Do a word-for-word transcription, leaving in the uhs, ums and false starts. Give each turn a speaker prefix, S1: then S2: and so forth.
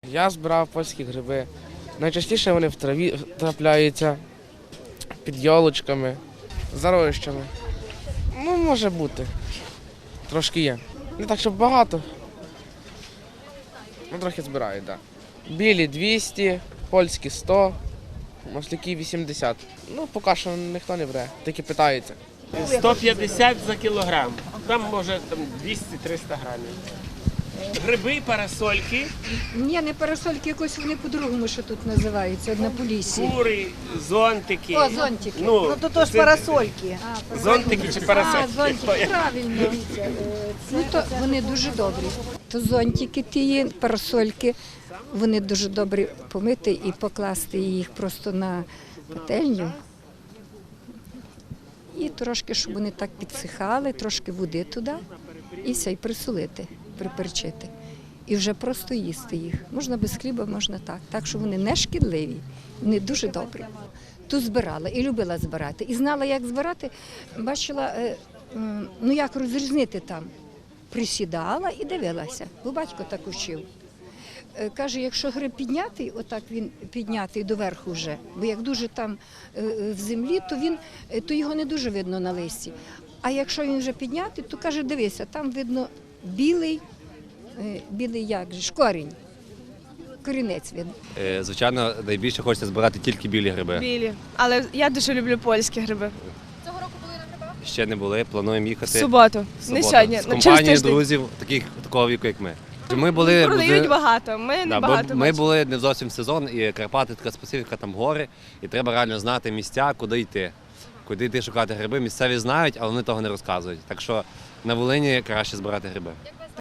S1: Я збирав польські гриби. Найчастіше вони в траві трапляються, під йолочками, за ровищами. Ну, може бути. Трошки є. Не так, щоб багато. Ну, трохи збирають, так. Да. Білі двісті, польські сто, масляки вісімдесят. Ну, поки що ніхто не бере, тільки питаються.
S2: сто п'ятдесят за кілограм, там може там двісті-триста грамів. Гриби, парасольки,
S3: Ні, не парасольки, якось вони по-другому, що тут називаються, на Поліссі.
S2: кури, зонтики.
S3: О, зонтики.
S2: Ну,
S4: Ну, то ж
S2: це-
S4: парасольки.
S2: Зонтики чи
S3: А,
S2: парасольки?
S3: зонтики, правильно. Ну, то вони дуже добрі. То зонтики ті, парасольки, вони дуже добрі помити і покласти їх просто на пательню. І трошки, щоб вони так підсихали, трошки води туди і все, і присолити, приперчити. І вже просто їсти їх. Можна без хліба, можна так. Так що вони не шкідливі, вони дуже добрі. Тут збирала і любила збирати. І знала, як збирати, бачила, е, м, ну як розрізнити там. Присідала і дивилася, бо батько так учив. Е, Каже, якщо гриб піднятий, отак він піднятий доверху вже, бо як дуже там е, е, в землі, то, він, е, то його не дуже видно на листі. А якщо він вже піднятий, то каже, дивися, там видно білий, е, білий як же, ж, корінь, корінець видно.
S5: Е, Звичайно, найбільше хочеться збирати тільки білі гриби.
S6: Білі. Але я дуже люблю польські гриби.
S5: Ще не були, плануємо
S6: В
S5: їхати
S6: суботу.
S5: в
S6: Не
S5: суботу.
S6: сьогодні.
S5: З
S6: ну, через
S5: компанією
S6: тиждень.
S5: друзів, таких, такого віку, як ми. Ми були,
S6: Продають
S5: були-
S6: багато, ми не
S5: Да, бо
S6: багато
S5: ми
S6: бачимо.
S5: були не зовсім в сезон, і Карпати така специфіка, там гори, і треба реально знати місця, куди йти. Куди йти шукати гриби. Місцеві знають, але вони того не розказують. Так що на Волині краще збирати гриби.